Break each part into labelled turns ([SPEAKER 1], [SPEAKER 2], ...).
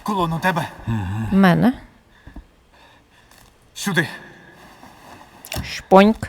[SPEAKER 1] Кулон у тебе.
[SPEAKER 2] В мене.
[SPEAKER 1] Сюди.
[SPEAKER 2] Шпоньк.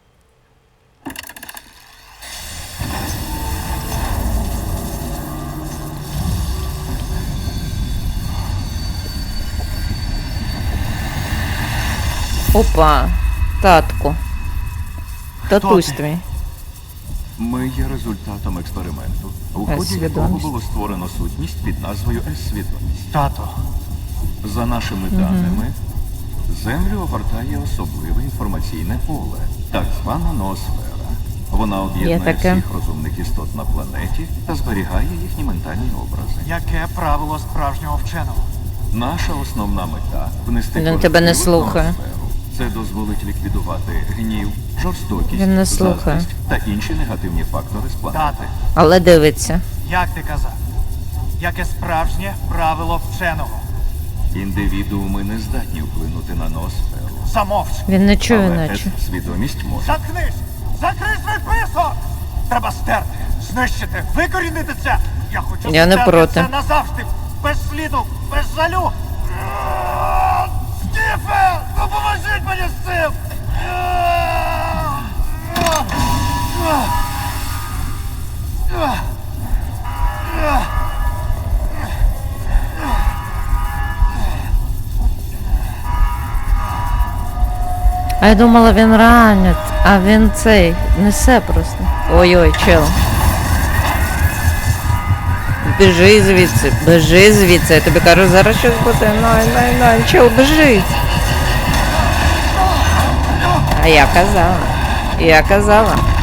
[SPEAKER 2] Опа, татку. Татусь
[SPEAKER 1] ти?
[SPEAKER 2] твій.
[SPEAKER 3] Ми є результатом експерименту, у ході якого
[SPEAKER 2] С-свідомість.
[SPEAKER 3] було створено сутність під назвою С-свідомість.
[SPEAKER 1] Тато.
[SPEAKER 3] За нашими даними, Землю огортає особливе інформаційне поле, так звана ноосфера. Вона
[SPEAKER 2] Є
[SPEAKER 3] об'єднує
[SPEAKER 2] таке.
[SPEAKER 3] всіх розумних істот на планеті та зберігає їхні ментальні образи.
[SPEAKER 1] Яке правило справжнього вченого?
[SPEAKER 3] Наша основна мета – внести
[SPEAKER 2] Він тебе не
[SPEAKER 3] корективи в
[SPEAKER 2] слухає.
[SPEAKER 3] ноосферу. Це дозволить ліквідувати гнів, жорстокість,
[SPEAKER 2] Він не слухає.
[SPEAKER 3] заздрість та інші негативні фактори з планети.
[SPEAKER 1] Тате,
[SPEAKER 2] Але дивиться.
[SPEAKER 1] як ти казав? Яке справжнє правило вченого?
[SPEAKER 3] Індивідууми не здатні вплинути на ноосферу.
[SPEAKER 1] Замовч.
[SPEAKER 2] Він не чує,
[SPEAKER 3] Але
[SPEAKER 2] наче.
[SPEAKER 3] свідомість може.
[SPEAKER 1] Заткнись! Закрий свій писок! Треба стерти, знищити, викорінити це! Я хочу
[SPEAKER 2] Я не
[SPEAKER 1] стерти
[SPEAKER 2] проти.
[SPEAKER 1] це назавжди! Без сліду, без жалю! Стіфе! Допоможіть мені з цим!
[SPEAKER 2] А я думала, він ранить, а він цей, несе просто. Ой-ой, чел. Біжи звідси, я тобі кажу, зараз щось буде, най, чел, біжить. А я казала.